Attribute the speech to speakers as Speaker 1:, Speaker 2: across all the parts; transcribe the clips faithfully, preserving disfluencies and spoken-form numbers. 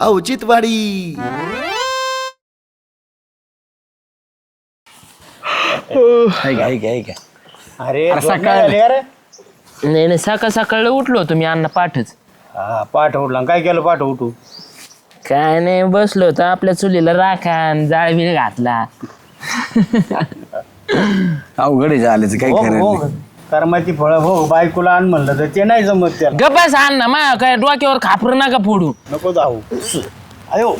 Speaker 1: औचित्यवाडी.
Speaker 2: अरे
Speaker 3: सकाळ
Speaker 4: नाही नाही सकाळ सकाळ उठलो होतो मी अण्णा पाठच.
Speaker 2: हा पाठ उठला काय केलं पाठ उठू
Speaker 4: काय नाही बसलो होतो आपल्या चुलीला राखान जाळ बिळ घातला.
Speaker 3: अवघड झालं काय खरं
Speaker 2: कर्माची फळं हो बायकोला आण म्हणलं तर ते नाही जमत त्याला.
Speaker 4: गप्पास अण्णा मा काय डोक्यावर खापर नका फोडू.
Speaker 2: नको जाऊ अयो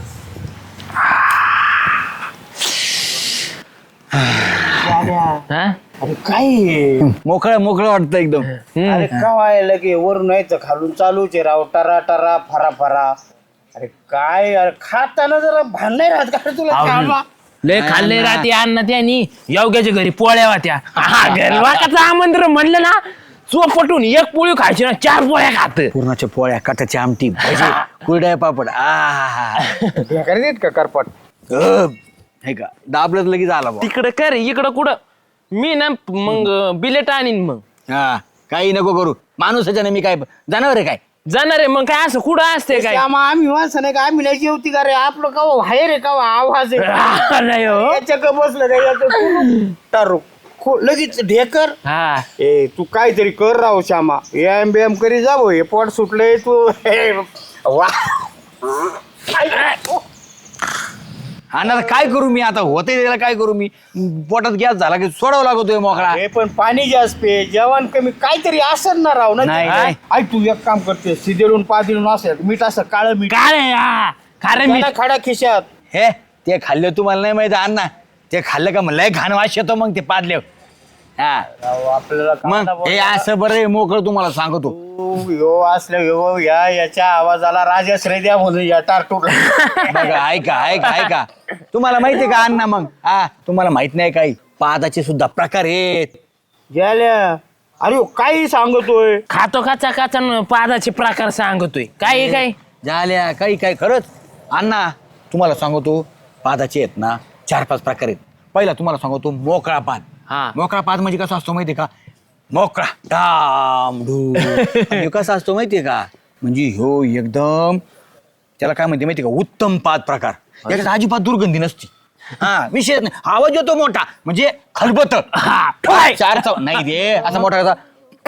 Speaker 4: हा
Speaker 2: अरे काय
Speaker 3: मोकळं मोकळं वाटतं एकदम.
Speaker 2: अरे का व्हायला की वरून यायचं खालून चालूच आहे राव टरा टरा फरा फरा. अरे काय अरे खाताना जरा भान नाही राहत का रे तुला खायला?
Speaker 4: लय खाल्ले राहते अण्णा त्यांनी योग्याच्या घरी पोळ्या होत्या. वाकाचं आमंत्रण म्हणलं ना चोपटून एक पोळी खायची ना चार पोळ्या खात.
Speaker 3: पूर्णाच्या पोळ्या काटाची आमटी भजी कुरड्या पापड आ
Speaker 2: देत का करपट
Speaker 3: हे का दाबलं तर लगेच आला बा.
Speaker 4: तिकडं कर इकडं कुठं मी ना मग बिलेट आणीन मग.
Speaker 3: हा काही नको करू माणूसाच्या नाही मी काय जनावर आहे काय
Speaker 4: जाणार आहे मग काय असं कुठं असते काय.
Speaker 2: आम्ही वाचन नाही का आम्ही नाही जेवती का रे आपलं का बाहेर आहे का आवाज आहे
Speaker 4: नाही हो
Speaker 2: याच्या का बसलं का याचं टारू खो- लगेच ढेकर.
Speaker 4: हा
Speaker 2: ए तू काहीतरी कर राव श्यामा एम बी एम करी जावं हे पोट सुटलंय तू हे, वा
Speaker 3: हा ना काय करू मी आता होते त्याला काय करू मी पोटात गॅस झाला की सोडावं लागतोय मोकळा.
Speaker 2: हे पण पाणी जास्त पे जेवण कमी काहीतरी असं ना राव ना
Speaker 3: नाही,
Speaker 2: काय?
Speaker 3: नाही.
Speaker 2: ऐक तू एक काम करते सिदेलून पादिलून असेल मीठ असं काळं मीठ
Speaker 4: काय हा खरं मी
Speaker 2: त्याला खडा खिशात.
Speaker 3: हे ते खाल्लं तुम्हाला नाही माहिती अण्णा ते खाल्लं का म्हणलं घाण वास येतो मग ते पादले हा
Speaker 2: राव, आपल्याला
Speaker 3: मग
Speaker 2: कांदा
Speaker 3: हे
Speaker 2: बोलला.
Speaker 3: असं बरं आहे, मोकळं तुम्हाला सांगतो.
Speaker 2: तू यो असल्या यो या याच्या आवाजाला राजाश्रय द्या म्हणून या टारटूर
Speaker 3: बघा ऐका ऐका ऐका तुम्हाला माहिती आहे का अण्णा मग हा तुम्हाला माहित नाही काही पादाचे सुद्धा प्रकार आहेत.
Speaker 2: गेल्या अरे हो, काही सांगतोय
Speaker 4: खातो काचा काचा न पादाचे प्रकार सांगतोय काय आहे काय.
Speaker 3: झाल्या काही काय खरंच अण्णा तुम्हाला सांगतो पादाचे आहेत ना चार पाच प्रकार आहेत. पहिला तुम्हाला सांगतो मोकळा पाद.
Speaker 4: हा.
Speaker 3: मोकळा पाद म्हणजे कसा असतो माहितीये का मोकळा डाम डू आणि कसा असतो माहितीये का म्हणजे ह्यो एकदम त्याला काय म्हणते माहितीये का उत्तम पाद प्रकार. याच्यात अजिबात दुर्गंधी नसती. हा विशेष नाही आवाज येतो मोठा म्हणजे खलबत चार चौ नाही रे असा मोठा कसा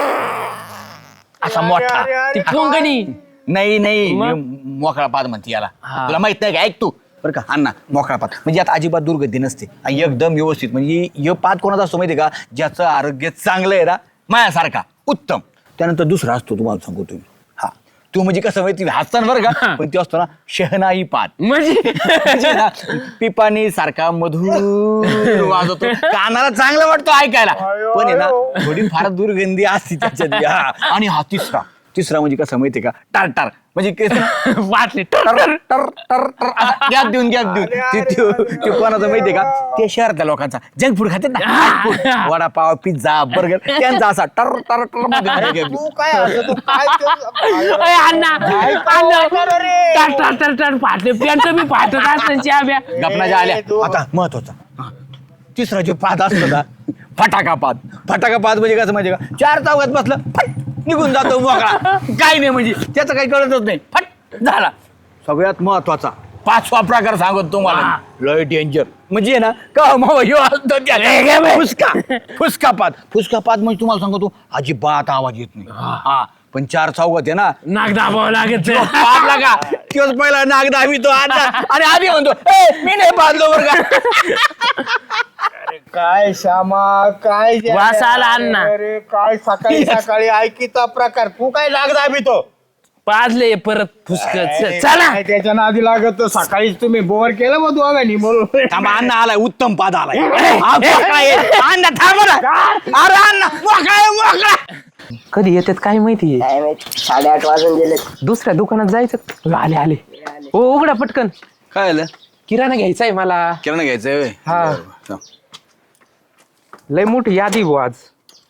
Speaker 3: असा मोठा
Speaker 4: ती कोंकणी
Speaker 3: नाही नाही मोकळा पाद म्हणते याला.
Speaker 4: हा.
Speaker 3: तुला माहित नाही का ऐक तू बरं का अण्णा मोकळा पाद म्हणजे आता अजिबात दुर्गंधी नसते आणि एकदम व्यवस्थित म्हणजे हे पाद कोणाचा असतो माहितीये का ज्याचं आरोग्य चांगलं आहे ना मायासारखा उत्तम. त्यानंतर दुसरा असतो तुम्हाला सांगतो तुम्ही हा तो म्हणजे कसं माहिती हसताना बरं का पण तो असतो ना शहनाई पाद
Speaker 4: म्हणजे
Speaker 3: म्हणजे ना पिपाणी सारखा मधुर वाजवतो कानाला चांगलं वाटतो ऐकायला पण आहे ना थोडी फार दुर्गंधी असते त्याच्यात हा. आणि हा तिसरा तिसरा म्हणजे कसं माहितीये का टार म्हणजे
Speaker 4: वाटले
Speaker 3: टर टर टर टर गॅप देऊन गॅप देऊन ते- ते ते कोणाचं माहितीये का ते शहरातल्या लोकांचा जंक फूड खातात ना वडापाव पिझ्झा बर्गर त्यांचा असा टर टर टर मध्ये gap देऊन.
Speaker 2: तू काय असं तू काय ते-
Speaker 4: अय, अण्णा टाट टाट टाट टाट फाटले पेंट मी फाटत असताना चाब्या
Speaker 3: गपनाच्या आल्या आता महत्वाचा हा. तिसरा जो पाद असतो ना फटाका पाद. फटाका पाद म्हणजे कसं म्हणजे का चार चौघात बसलं फट निघून जातो मोकळा काही नाही म्हणजे त्याचं काही कळतच नाही फट झाला. सगळ्यात महत्वाचा पाचवा प्रकार सांगतो तुम्हाला लय डेंजर म्हणजे ना का मावा ह्यो असतो त्याला फुसका फुसका पाद. फुसका पाद म्हणजे तुम्हाला सांगतो अजिबात आवाज येत नाही हा पण चार चौघात आहे ना
Speaker 4: नाक दाबावं लागत
Speaker 3: पाद लागा किंवा पहिला नाग दाबी तो आणि आधी म्हणतो "ए, मी नाही पादलो बरं का
Speaker 2: काय श्यामा काय जे-
Speaker 4: वास आला अण्णा.
Speaker 2: अरे काय सकाळी सकाळी ऐकिता प्रकार तू काय लाग दाबितो
Speaker 4: पाजले परत फुसक चला
Speaker 2: काय त्याच्या नादी लागत सकाळीच तुम्ही बोर केलं मग दोघांनी बोलून
Speaker 3: थांबा अण्णा आलाय उत्तम पाद आलाय हा, मोकळा आहे. अण्णा थांबा ना अरे अण्णा मोकळा आहे, मोकळा.
Speaker 4: कधी येतात काय माहिती
Speaker 5: साडेआठ वाजून गेले.
Speaker 4: दुसऱ्या दुकानात जायचं आले आले हो उघडा पटकन
Speaker 3: काय आलं
Speaker 4: किराणा घ्यायचा आहे मला.
Speaker 3: किराणा घ्यायचंय व्हय?
Speaker 4: हा.
Speaker 3: बरं, बरं.
Speaker 4: लय मोठी यादी भाऊ आज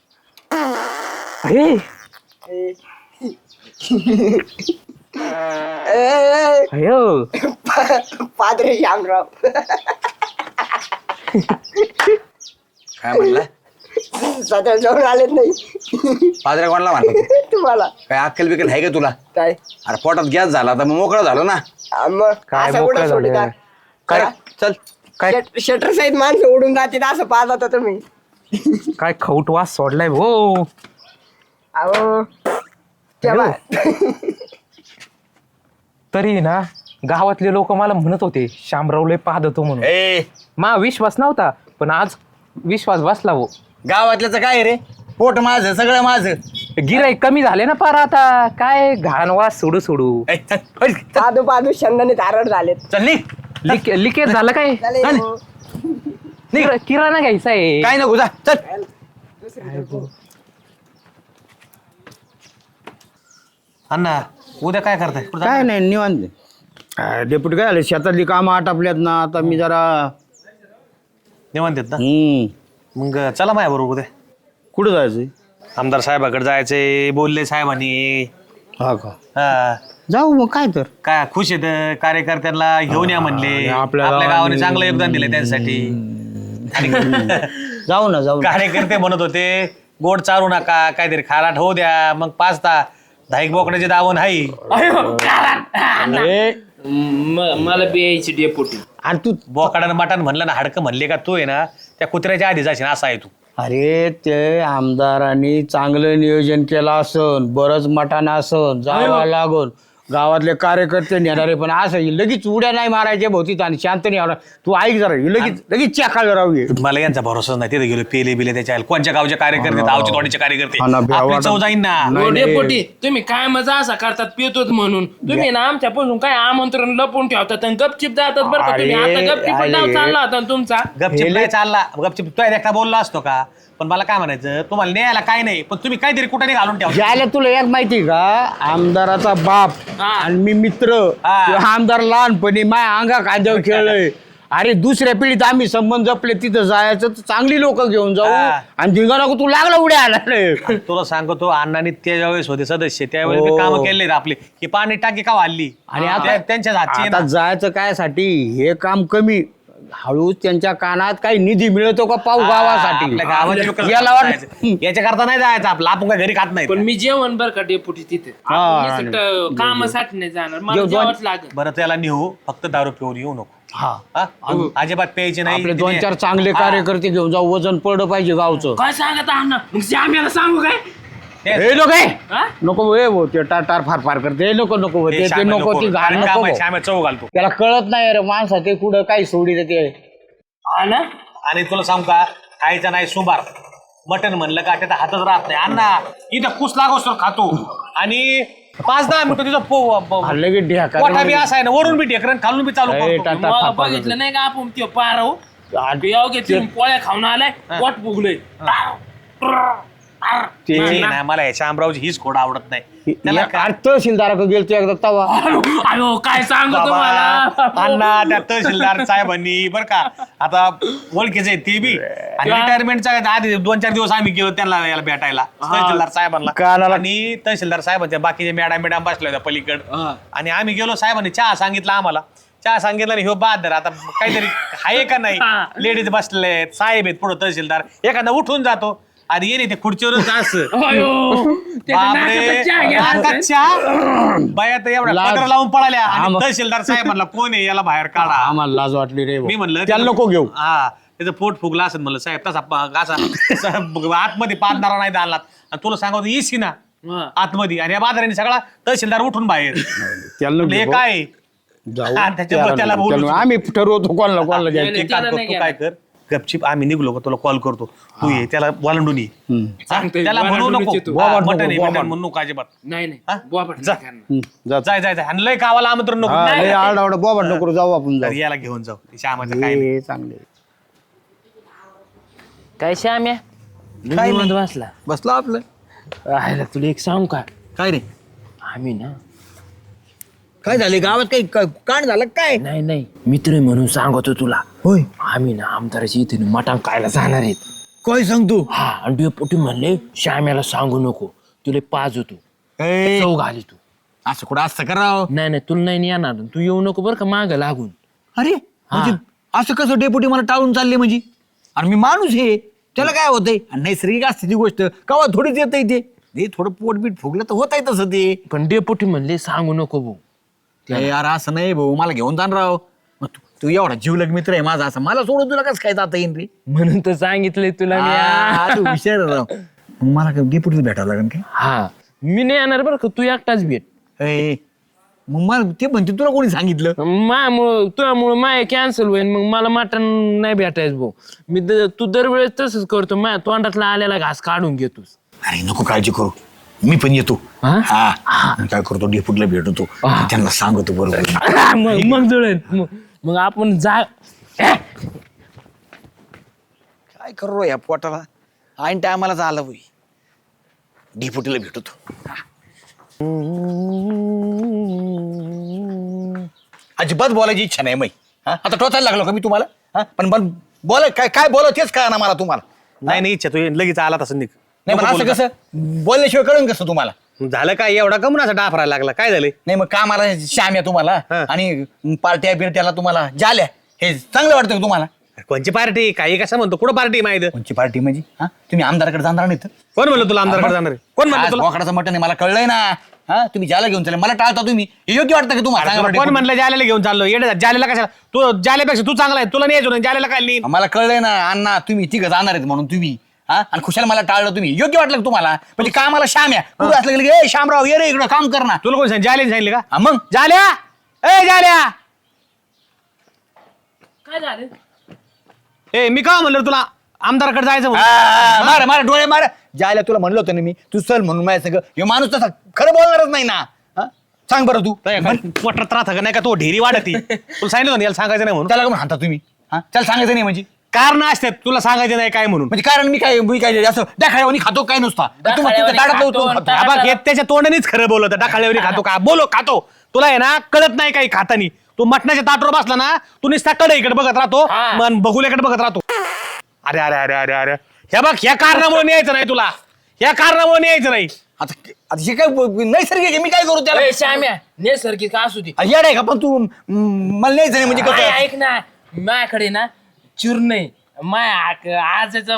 Speaker 4: हे अयो
Speaker 5: पादरे श्यामराव
Speaker 3: काय म्हणला
Speaker 5: स्वतः जाऊन आलेत नाही
Speaker 3: पाजऱ्या कोणाला म्हणतो
Speaker 5: तुम्हाला
Speaker 3: काय अक्कल बिकल आहे का तुला?
Speaker 5: काय
Speaker 3: अरे पोटात गॅस झाला तर मग मोकळं झालं ना.
Speaker 5: आ, मग
Speaker 4: काय
Speaker 5: असं
Speaker 4: मोकळं
Speaker 5: कुठं सोडिता?
Speaker 4: झालं?
Speaker 3: काय चल
Speaker 4: काय
Speaker 5: शट- शटर सहित माणसं उडून जातील असं पाहत होता तुम्ही.
Speaker 4: काय खवट वास सोडलाय हो.
Speaker 5: अहो तेव्हा
Speaker 4: तरी ना गावातले लोक मला म्हणत होते शामराव लय पाहत होतो म्हणून.
Speaker 3: ए
Speaker 4: मा विश्वास नव्हता पण आज विश्वास बसला हो.
Speaker 3: गावातल्याच काय रे, पोट माझं सगळं माझं.
Speaker 4: गिराईक कमी झाले ना पार आता. काय घाण वास सोडू सोडू.
Speaker 3: ए, चल, चल, चल,
Speaker 5: पादू पादू शंदाने तारड झालेत.
Speaker 3: चल निघ.
Speaker 4: लिक लिकेज झालं काय?
Speaker 5: झाले
Speaker 3: चालेल.
Speaker 5: हो.
Speaker 4: किरा- किराणा घ्यायचा आहे.
Speaker 3: काय नको जा चल.
Speaker 1: अण्णा उद्या काय करताय? कुठं
Speaker 2: काय नाही निवांत. अं, डेप्युटी काय आले शेतातली कामं आटापल्यात ना आता मी जरा
Speaker 1: निवांत आहेत ना?
Speaker 2: हम्म
Speaker 1: मग चला माझ्या बरोबर उद्या.
Speaker 2: कुठं जायचंय?
Speaker 1: आमदार साहेबाकडे जायचंय, बोलले साहेबांनी.
Speaker 2: हा का
Speaker 1: हा.
Speaker 2: जाऊ मग काय तर.
Speaker 1: काय खुश आहेत कार्यकर्त्यांना घेऊन या म्हणले.
Speaker 2: आणि आपल्या
Speaker 1: आपल्या
Speaker 2: गावाने-
Speaker 1: गावाने चांगलं योगदान दिलं त्यांच्यासाठी.
Speaker 2: जाऊ ना जाऊ ना.
Speaker 1: कार्यकर्ते म्हणत होते गोड चारू नका, काहीतरी खाराट होऊ द्या. मग पाचता धाईक बोकड्याचे दावण हाई.
Speaker 2: अरे
Speaker 4: म- मला बियायची डेपुटी.
Speaker 2: आणि तू
Speaker 1: बोकाडानं मटण म्हणलं ना, हाडकं म्हणले का तू आहे ना त्या कुत्र्याच्या आधी जाशील असा आहे तू.
Speaker 2: अरे ते आमदारांनी चांगलं नियोजन केलं असन, बरंच मठान असन, जावं लागून गावातले कार्यकर्ते नेणारे. पण असं हे लगेच उड्या नाही मारायच्या भोवतीत आणि शांत नाही होणार. तू ऐक जरा हे लगेच लगेच चाकाला राहू ये.
Speaker 1: मला यांचा भरोसाच नाही. तिथे गेलो पेले बिले त्याच्या आईला. कोणच्या गावचे कार्यकर्ते, गावचे तोडीचे कार्यकर्ते.
Speaker 2: हा ना, भ्या
Speaker 1: आपली
Speaker 2: वाटत-
Speaker 1: चव जाईन ना.
Speaker 2: नाही,
Speaker 4: हो,
Speaker 2: नाही.
Speaker 4: डेपुटी तुम्ही काय मजा असा करतात पितोत म्हणून. तुम्ही ना आमच्यापासून काय आमंत्रण लपवून ठेवतात आणि गपचिप जातात बरं का तुम्ही.
Speaker 2: अरे,
Speaker 4: आता गपचिप
Speaker 2: अरे.
Speaker 4: नाव चालला होता ना तुमचा.
Speaker 1: गपचिप नाही चालला. गपचिप तो एकटा बोलला असतो का? पण मला काय म्हणायचं, तुम्हाला न्यायला काय नाही, पण तुम्ही काहीतरी कुठे घालून ठेवा.
Speaker 2: ज्याला तुला एक माहिती का, आमदाराचा बाप
Speaker 4: हा.
Speaker 2: आणि मी मित्र.
Speaker 1: हा.
Speaker 2: तो आमदार लहानपणी माय अंगा कांद्यावर खेळलोय. अरे दुसऱ्या पिढीत आम्ही संबंध जपले, तिथं जायचं तर चांगली लोक घेऊन जाऊ.
Speaker 1: हा.
Speaker 2: आणि धिंगा नको तू लागला उड्या आला रे.
Speaker 1: तुला सांगतो अण्णांनी त्या वेळेस होते सदस्य, त्यावेळेस मी
Speaker 2: हो.
Speaker 1: काम केले आपले की पाणी टाकी का वाढली
Speaker 2: आणि
Speaker 1: आणि
Speaker 2: आता
Speaker 1: त्यांच्याच हातची आहे
Speaker 2: आता
Speaker 1: ना.
Speaker 2: जायचं काय साठी, हे काम कमी हळू त्यांच्या कानात काही निधी मिळतो का पाहू गावासाठी.
Speaker 1: आपल्या गावाच्या लोकांना
Speaker 2: याला वाट-
Speaker 1: जायचं. याच्या करता नाही जायचं आपलं. आपण काय घरी खात नाही.
Speaker 4: पण मी जेवण बरं का डेपुटी तिथे.
Speaker 2: हा,
Speaker 4: आपण नुसतं कामासाठी नाही जाणार. मला
Speaker 2: जेव-
Speaker 4: जेवाच लागत.
Speaker 1: बरं त्याला नेऊ, फक्त दारू पिऊन येऊ नको.
Speaker 2: हा
Speaker 1: हा? अजिबात प्यायचे नाही.
Speaker 2: आपले दोन चार चांगले कार्यकर्ते घेऊन जाऊ, वजन पडलं पाहिजे गावचं.
Speaker 4: काय सांगत अण्णा मग श्याम्याला सांगू काय?
Speaker 2: हे नको हे.
Speaker 4: हा?
Speaker 2: नको हे भाऊ, ते टार टार फार फार करते हे नको नको
Speaker 1: हे
Speaker 2: ते ते
Speaker 1: श्याम्या
Speaker 2: नको ती घाण
Speaker 1: कारण
Speaker 2: नको
Speaker 1: काम आहे,
Speaker 2: भाऊ.
Speaker 1: श्याम्या चव घालतो.
Speaker 2: त्याला कळत नाही रे माणसा ते कुठं काही सोडी ते.
Speaker 4: हा ना?
Speaker 1: आणि तुला सांगू का, खायचं नाही सुबार. मटन म्हणलं का त्याचा हातच राहत नाही. अण्णा इथं कुस लागोस तर खातो आणि पाच दहा मिनिटं तिथं पो- प-
Speaker 2: हल्ले की ढेका
Speaker 1: पोटा बी असा आहे ना, वरून बी ढेकरन खालून बी चालू
Speaker 2: ए,
Speaker 1: करतो.
Speaker 2: टाटा.
Speaker 4: मग बघितलं नाही का आपण ते पारव योग्य तिथून पोळ्या खाऊन आलाय पोट फुगलंय.
Speaker 1: ते नाही, मला या शामरावची हीच खोड आवडत नाही. त्याला काय-
Speaker 2: तहसीलदाराकडे गेलतो एकदा तवा.
Speaker 4: अयो काय सांगतो
Speaker 1: बाबा,
Speaker 4: तुम्हाला.
Speaker 1: अण्णा त्या तहसीलदार साहेबांनी बर का आता ओळखीचे आहेत ते बी. आणि रिटायरमेंटच्या आधी दोन चार दिवस आम्ही गेलो त्यांना याला भेटायला तहसीलदार साहेबांना.
Speaker 2: कानाला-
Speaker 1: आणि तहसीलदार साहेबांच्या बाकीचे मॅडम मॅडम बसल्या होत्या पलीकड. आणि आम्ही गेलो, साहेबांनी चहा सांगितला आम्हाला. चहा सांगितलं आणि ह्यो बहादर आता काहीतरी आहे का नाही. लेडीज बसले आहेत, साहेब आहेत पुढे तहसीलदार. एखादा उठून जातो आणि येणे ते खुर्चीवरच असं.
Speaker 4: अयो त्याच्या
Speaker 1: बापरे,
Speaker 4: नाकात चहा घ्या.
Speaker 1: नाकात चहा. बाया तर एवढ्या
Speaker 2: लाज.
Speaker 1: पदर लावून पळाल्या. आणि
Speaker 2: आम-
Speaker 1: तहसीलदार साहेब म्हणला कोण आहे याला बाहेर काढा.
Speaker 2: आम्हाला लाज वाटली रे भाऊ.
Speaker 1: मी म्हणलं
Speaker 2: त्याला
Speaker 1: त्याचं-
Speaker 2: नको घेऊ.
Speaker 1: हा त्याचं पोट फुगला असेल म्हणलं साहेब तसा प- असा स- आतमध्ये पादणारा नाही दालात. आणि तुला सांगतो येशी ना
Speaker 4: हा.
Speaker 1: आतमध्ये. आणि या बाजाराने सगळा तहसीलदार उठून बाहेर.
Speaker 2: त्याला नको
Speaker 1: म्हणलं, हे
Speaker 2: घेऊ.
Speaker 1: काय
Speaker 2: जाऊ.
Speaker 1: हा, त्याच्यामुळे त्याला बोलू
Speaker 2: त्याला- आम्ही ठरवतो कोणाला कोणाला
Speaker 4: नाही,
Speaker 2: घ्यायचं.
Speaker 4: नाही,
Speaker 1: एक
Speaker 4: त्याला
Speaker 1: काम कर,
Speaker 4: नाही
Speaker 1: तू काय कर गपचिप आम्ही निघलो का तुला कॉल करतो. तू ये त्याला वालंडून ये.
Speaker 2: हम्म.
Speaker 1: हा?
Speaker 4: सांगतोय,
Speaker 1: त्याला म्हणू
Speaker 4: वालांडूनच
Speaker 1: नको
Speaker 4: येतो.
Speaker 2: बोबाट नको,
Speaker 1: मटन आहे,
Speaker 2: बोबाट.
Speaker 1: मटन म्हणू नको अजिबात.
Speaker 4: नाही
Speaker 1: हा?
Speaker 4: नाही बोबाट
Speaker 1: जा.
Speaker 4: नाही करणार.
Speaker 2: हम्म, जा.
Speaker 1: जाय जाय जाय आणि लय गावाला आमंत्रण नको.
Speaker 2: हा,
Speaker 1: नाही,
Speaker 2: लय आरडाओरडा बोबाट नको जाऊ आपण
Speaker 1: तर
Speaker 2: जाऊ.
Speaker 1: याला घेऊन जाऊ श्यामाचं काय नाही.
Speaker 2: हे चांगले.
Speaker 4: काय श्याम्या निवांत बसला.
Speaker 3: बसला आपलं.
Speaker 4: राहिला तुला एक सांगू का?
Speaker 3: काय रे,
Speaker 4: आम्ही ना
Speaker 3: काय झाले गावात काही काण झालं काय?
Speaker 4: नाही नाही मित्र म्हणून सांगतो तुला.
Speaker 3: होय,
Speaker 4: आम्ही ना आमदाराची इथे मटण खायला जाणार आहेत.
Speaker 3: काय सांगतो?
Speaker 4: हा आणि डेपुटी म्हणले श्याम्याला सांगू नको तुला पाज होतो
Speaker 3: ए,
Speaker 4: चौ घाली तू.
Speaker 3: असं कुठं असं करावं?
Speaker 4: नाही नाही तुला नाही येणार तू येऊ नको बरं का माग लागून.
Speaker 3: अरे म्हणजे असं कसं डेपुटी मला टाळून चालले म्हणजे? अरे मी माणूस आहे. त्याला काय होतंय आणि नैसर्गिक असते ती गोष्ट कवा थोडीच येतंय ते ते थोडं पोटबीट फुगलं तर होत आहे तसं ते
Speaker 4: पण डेपुटी म्हणले सांगू नको भाऊ.
Speaker 3: अरे यार असं नाही भाऊ मला घेऊन जाण राव मग तू- तू एवढा जीवलग मित्र आहे माझा असं मला सोडून तुला कसं काय जाता येईल रे
Speaker 4: म्हणून तर सांगितलंय तुला मी.
Speaker 3: आ, तू हुशार आहे राव मग मला काय डेपुटीला भेटावं लागेल काय
Speaker 4: हा मी नाही येणार बरं का, तू एकटाच भेट.
Speaker 3: ए, मग मला ते म्हणते तुला कोणी सांगितलं
Speaker 4: मायामुळं तुझ्यामुळं माय कॅन्सल होईल, मग मला मटण नाही भेटायचं भाऊ. मी द- तू दरवेळेस तसंच करतो, माझ्या तोंडातला आलेला घास काढून घेतोस.
Speaker 3: अरे नको काळजी करू मी पण येतो
Speaker 4: हा?
Speaker 3: हा मी काय करतो डेपुटीला भेटतो त्यांना सांगतो बरोबर
Speaker 4: मग मग जुळेल मग मग आपण जा.
Speaker 3: काय करू या पोटाला ऐन टायमालाच आलं होई डेपुटीला भेटतो अजिबात बोलायची इच्छा नाही मै आता टोचायला लागलो का मी तुम्हाला हा? पण पण बोला काय काय बोला तेच कळा ना मला तुम्हाला
Speaker 1: नाही नाही इच्छा तू लगेच आला तसं निघ
Speaker 3: नाही पण
Speaker 1: नको
Speaker 3: असं
Speaker 1: बोलू
Speaker 3: कसं बोलल्याशिवाय कळून कसं तुम्हाला
Speaker 1: का? झालं काय एवढा कमून असा डाफरायला लागला काय झाले
Speaker 3: नाही मग कामाला श्याम आहे तुम्हाला
Speaker 1: हा.
Speaker 3: आणि पार्ट्या बिरट्याला तुम्हाला जाल्या हे चांगलं वाटतं का तुम्हाला
Speaker 1: कोणची पार्टी काही कसं म्हणतो कुठं पार्टी माहिती
Speaker 3: कोणची पार्टी म्हणजे हा तुम्ही आमदाराकडे जाणार नाही तर
Speaker 1: कोण म्हणलं तुला आमदारकडे जाणार आहे? कोण म्हणलं
Speaker 3: आज
Speaker 1: तुला
Speaker 3: बोकडाचं मटण आहे मला कळलंय ना हा तुम्ही ज्याला घेऊन चालले मला टाळता तुम्ही हे योग्य वाटतं का तुम्हाला सांगा
Speaker 1: तुला
Speaker 3: बरं
Speaker 1: कोण म्हणलं जालेला घेऊन चाललो येडे जालेला कशाला तू जालेपेक्षा तू चांगला आहे तुला नाही यायचो जालेला काय नाही
Speaker 3: मला कळलंय ना अण्णा तुम्ही तिघं जाणार आहेत म्हणून तुम्ही हा आणि खुशाल मला टाळलं तुम्ही योग्य वाटलं का तुम्हाला म्हणजे कामाला श्याम या कुठं असलं की ए श्यामराव ये रे इकडं काम कर ना
Speaker 1: तुला कोण सांग जाले सांगितले का
Speaker 3: हा, मग
Speaker 1: जाल्या ए जाल्या
Speaker 4: काय झालं?
Speaker 1: ए मी का म्हणलं तुला आमदारकडे जायचं
Speaker 3: हा,
Speaker 1: म्हणून?
Speaker 3: हा, मार मार डोळे मार जायला तुला म्हणलं होतं ना मी तू चल म्हणून माझ्या सगळं हे माणूस तसा खरं बोलणारच नाही ना हा? सांग बरं तू
Speaker 1: काय काय पोटात राहतं का नाही का तो ढेरी वाढती तुला सांगितलं होतं ना याला सांगायचं नाही म्हणून
Speaker 3: त्याला का हाणता तुम्ही हा त्याला सांगायचं नाही म्हणजे
Speaker 1: कारण असतात तुला सांगायचं नाही काय म्हणून
Speaker 3: म्हणजे कारण मी काय मी काय असं दाखवानी खातो काय नुसता तू म्हणतो त्या दाढात लावतो,
Speaker 4: खातो,
Speaker 3: खातो.
Speaker 1: हा बघ हे त्याच्या तोंडानेच खरं बोलत डाकाळेवरी खातो का बोलो खातो तुला आहे ना कळत नाही काही खातानी तू मटणाच्या ताटवर बसला ना तू नुसता कडे इकडे बघत राहतो
Speaker 4: हा.
Speaker 1: मन बघुल्याकडे बघत राहतो अरे अरे अरे अरे अरे हे बघ ह्या कारणामुळे न्यायचं नाही तुला ह्या कारणामुळे न्यायचं नाही
Speaker 3: आता आता हे काय नैसर्गिक आहे, मी काय करू त्याला
Speaker 4: ए, श्याम्या नैसर्गिक असू दे.
Speaker 3: येड आहे का पण तू म, मला न्यायचं नाही म्हणजे
Speaker 4: काय
Speaker 3: कसं
Speaker 4: ऐक ना माझ्याकडे ना चूर्ण आहे माय आजचा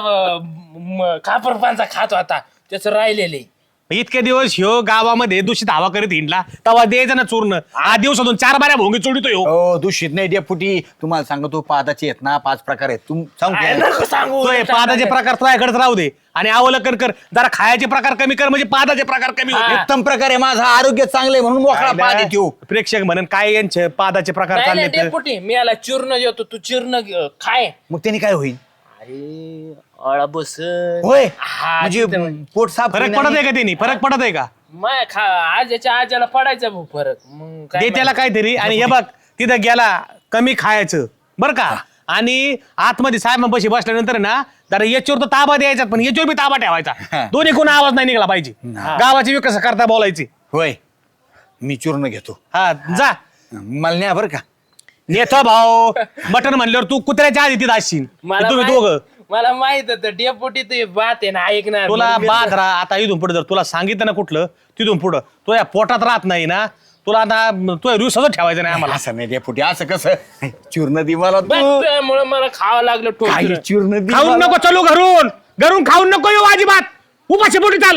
Speaker 4: खापर पांचा खात होता त्याचं राहिलेले.
Speaker 1: इतके दिवस ह्यो गावामध्ये दूषित हवा करीत हिंडला तेव्हा द्यायचं ना चूर्ण आठ दिवसातून चार बाऱ्या भोंगी चोडितो ह्यो
Speaker 3: हो दूषित नाही डेपुटी तुम्हाला सांगतो पादाचे आहेत ना पाच प्रकार आहेत तुम सांगू
Speaker 4: काय
Speaker 3: का?
Speaker 4: नको सांगू
Speaker 1: तो हे पादाचे प्रकार तुझ्याकडेच राहू दे आणि अवलंकन कर जरा खायचे प्रकार कमी कर म्हणजे पादाचे प्रकार कमी होते
Speaker 3: उत्तम प्रकार आहे माझा आरोग्य चांगलं आहे म्हणून मोकळा पाद येतो
Speaker 1: प्रेक्षक म्हणून काय यांचे पादाचे प्रकार
Speaker 4: नाही,
Speaker 1: चालले
Speaker 4: नाही, डेपुटी मी याला चूर्ण देतो तू चूर्ण घे, खाय.
Speaker 3: मग त्यांनी काय होईल
Speaker 4: अरे अळा बस
Speaker 3: होय
Speaker 4: हा,
Speaker 3: म्हणजे
Speaker 4: तिथं-
Speaker 3: पोट साफ
Speaker 1: फरक
Speaker 3: होईल
Speaker 1: पडत
Speaker 3: आणि-
Speaker 1: आहे का त्यांनी फरक पडत आहे का
Speaker 4: माय खा आजाच्या आजाला पडायचा भाऊ फरक मग काय
Speaker 1: दे त्याला काहीतरी आणि हे बघ तिथं गेला कमी खायचं बरं का आणि आतमध्ये साहेबांपाशी बसल्यानंतर ना जरा याच्यावर तर ताबा द्यायचा पण याच्यावर बी ताबा ठेवायचा दोन्ही कोण आवाज नाही निघाला पाहिजे गावाची विकास करता बोलायची
Speaker 3: होय मी चूर्ण घेतो
Speaker 1: हा जा
Speaker 3: मला न्या बरं का
Speaker 1: नेतो भाऊ मटन म्हणल्यावर तू कुत्र्याच्या आधी तिथं असशील
Speaker 4: मला
Speaker 1: तुम्ही
Speaker 4: माहित-
Speaker 1: दोघं
Speaker 4: मला माहित होतं डेपुटी तू बात आहे ना ऐकणार
Speaker 1: तुला
Speaker 4: म्हणून मी-
Speaker 1: बाद राहा आता इथून पुढे जर तुला सांगितलं ना कुठलं तिथून पुढं तो या पोटात राहत नाही ना तुला आता तो रिवसाच ठेवायचं नाही आम्हाला
Speaker 3: असं नाही डेपुटी असं कसं चूर्ण दि मला
Speaker 4: बस
Speaker 3: तू
Speaker 4: त्यामुळं मला खावं लागलं
Speaker 3: काही
Speaker 4: ठोकर.
Speaker 3: चूर्ण दि
Speaker 1: खाऊन
Speaker 3: मला.
Speaker 1: नको चलो घरून घरून खाऊन नको येऊ अजिबात उपाशी पोटी चाल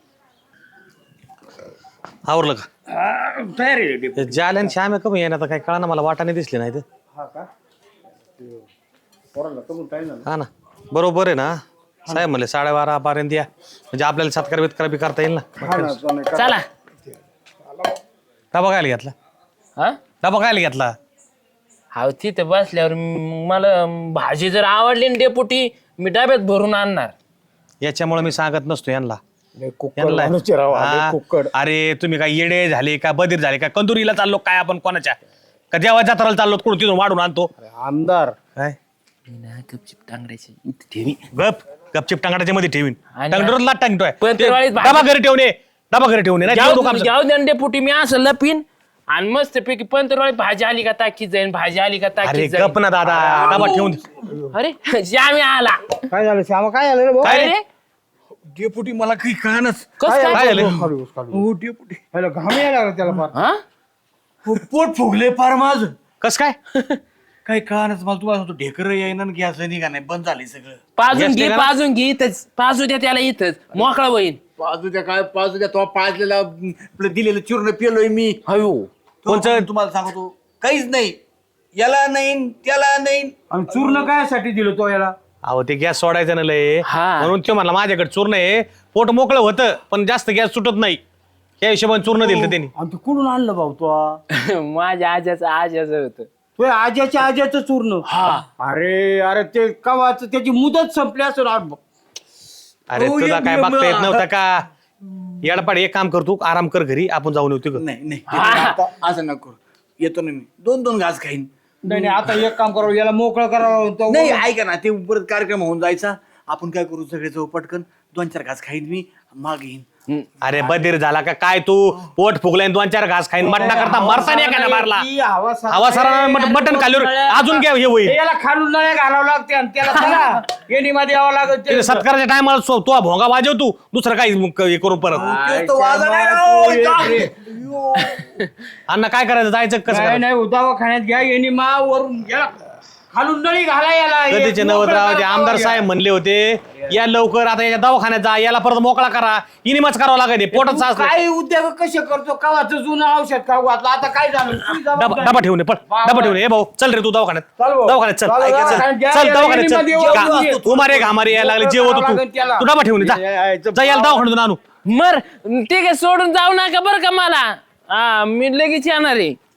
Speaker 1: आवरलं का जालन श्याम आहे कमी येणार काय कळा ना मला वाटाने दिसले नाही ते हा ना बरोबर आहे ना साहेब म्हणले साडेबारा पर्यंत या म्हणजे आपल्याला सत्कार बित्कार बी करता येईल ना
Speaker 4: चला
Speaker 1: डबा काय घेतला
Speaker 4: हा
Speaker 1: डबा काय घेतला
Speaker 4: हा तिथे बसल्यावर म- मला भाजी जर आवडली ना डेपुटी मी डब्यात भरून आणणार.
Speaker 1: याच्यामुळे मी सांगत नसतो यांना यांना- हा, अरे तुम्ही काय येडे झाले का बधीर झाले का कंदुरीला चाललो काय आपण कोणाच्या का जेव्हा जत्राला चाललो कुठं तिथून वाढून आणतो
Speaker 2: आमदार
Speaker 1: काय
Speaker 4: मी ना गपचिप टांगड्याची इथं ठेवी.
Speaker 1: गप गपचिप टांगडाच्या मध्ये ठेवीन
Speaker 4: आणि-
Speaker 1: टांगडोरला लाट टांगतोय
Speaker 4: पण ते वाळीत भाजी-
Speaker 1: डबा घरी ठेवणे डबा घरी ठेवणे नाही
Speaker 4: जाऊ
Speaker 1: ठेवू नको
Speaker 4: जाऊ दे ना डेपुटी मी असं लपीन आणि मस्त पैकी पंतरवाळी भाजी आली का ताकीत जाईन भाजी आली का
Speaker 1: अरे
Speaker 4: ताकीत
Speaker 1: गप
Speaker 4: जाईन.
Speaker 1: ना दादा डबा ठेवून दे.
Speaker 4: अरे श्यामी आला
Speaker 2: काय झालं श्यामा काय झालं रे भाऊ
Speaker 1: काय
Speaker 4: काय
Speaker 1: रे?
Speaker 4: रे
Speaker 3: डेपुटी मला काही कळानच
Speaker 4: कस
Speaker 1: काय
Speaker 4: काय
Speaker 1: झालं
Speaker 3: हो डेपुटी
Speaker 2: घाम यायला लागला त्याला फार
Speaker 4: हा
Speaker 3: पोट फुगले फार माझं
Speaker 1: कस काय
Speaker 3: काही कळानच मला तुम्हाला सांगतो ढेकर येईना गॅस निघा नाही बंद झाले सगळं.
Speaker 4: पाजून घे
Speaker 1: येते का?
Speaker 4: पाजून घे इथंच पाजू द्या त्याला इथंच मोकळा होईल.
Speaker 3: पाजूच्या काय पाजूच्या तो पाजलेला आपलं दिलेलं चूर्ण पेलोय मी.
Speaker 4: अयो
Speaker 3: कोणचं तुम्हाला सांगतो काहीच नाही, याला नाही त्याला नाही.
Speaker 2: आणि चूर्ण कायसाठी दिलं तो याला?
Speaker 1: अहो ते गॅस सोडायचं ना लय
Speaker 4: हा.
Speaker 1: म्हणून ते म्हणला माझ्याकडे चूर्ण आहे, पोट मोकळं होतं पण जास्त गॅस सुटत नाही, या हिशोबाने चूर्ण दिलं त्यांनी.
Speaker 2: आणि तू कुठून आणलं भाऊ तो?
Speaker 4: माझ्या आज्याचं आज्याचं होतं.
Speaker 2: तो आज्याच्या आज्याचं चूर्ण. अरे अरे ते कवाच त्याची मुदत संपली असेल.
Speaker 1: अरे
Speaker 3: हो,
Speaker 1: तुला
Speaker 3: एक
Speaker 1: काय
Speaker 3: मिनिट,
Speaker 1: बघता येत
Speaker 3: हा.
Speaker 1: नव्हता का? येडपाड एक काम कर, तू आराम कर घरी, आपण जाऊन येऊ तिकडं.
Speaker 3: नाही नाही आता असं नको करू. येतो ना मी दोन दोन घास खाईन.
Speaker 2: नाही नाही, आता एक काम करावं, याला मोकळं करावं. तो-
Speaker 3: नाही ऐका ना, ते परत कार्यक्रम होऊन जायचा. आपण काय करू सगळे जाऊ पटकन, दोन चार घास खाईन मी, माग येईन.
Speaker 1: अरे बधीर झाला का काय तू? पोट फुगलाय दोन चार घास खाईन, मटणा करता मरता नाही का मारला
Speaker 2: ती हवा सारा-
Speaker 1: हवा सरा मटण खाल्ल्यावर अजून काय हे होईल?
Speaker 2: हे याला खालून नळ्या घालावं लागते आणि त्याला चला येणीमध्ये यावं लागत.
Speaker 1: ते सत्काराच्या टायमाला तो भोंगा वाजव तू, दुसरं काही हे करू परत.
Speaker 3: ते तो वाजा नाही राव.
Speaker 1: अण्णा काय करायचं, जायचं कसं
Speaker 2: काय
Speaker 1: करायचं?
Speaker 2: नाही दवाखान्यात घ्या येणी मा वरून याला खालून नळी घाला याला.
Speaker 1: कधीचे
Speaker 2: एक
Speaker 1: नवतराव ते
Speaker 2: मोकळं
Speaker 1: आमदार
Speaker 2: करा.
Speaker 1: साहेब म्हणले होते या लवकर आता याच्या दवाखान्यात जा, याला परत मोकळा करा, इनिमच करावं लागेल, पोटात सास
Speaker 2: काय उद्योग कसे करतो? कवाचं जुनं औषध खाऊ घातलं, आता काय झालं? तुझी
Speaker 1: डबा
Speaker 2: जबाबदारी.
Speaker 1: डबा ठेवून ये, पळ डबा ठेवून ये. ए भाऊ चल रे तू दवाखान्यात,
Speaker 2: चल भाऊ.
Speaker 1: दवाखान्यात चल,
Speaker 2: चल,
Speaker 1: ऐक, चल
Speaker 2: दवाखान्यात घ्या,
Speaker 1: चल
Speaker 2: या
Speaker 1: दवाखान्यात चल.
Speaker 2: येणीमध्ये येऊ,
Speaker 1: का-
Speaker 2: येऊ.
Speaker 1: तू मारे घामारे यायला लागले, जेवत
Speaker 2: करावं
Speaker 1: तू
Speaker 2: लागेल त्याला.
Speaker 1: तू डबा ठेवून ये, जा
Speaker 2: यायचं
Speaker 1: जा, याला दवाखान्यातून आणू.
Speaker 4: मर ठीक आहे सोडून जाऊ नका बरं का मला. हा मी लगेच येणार आहे.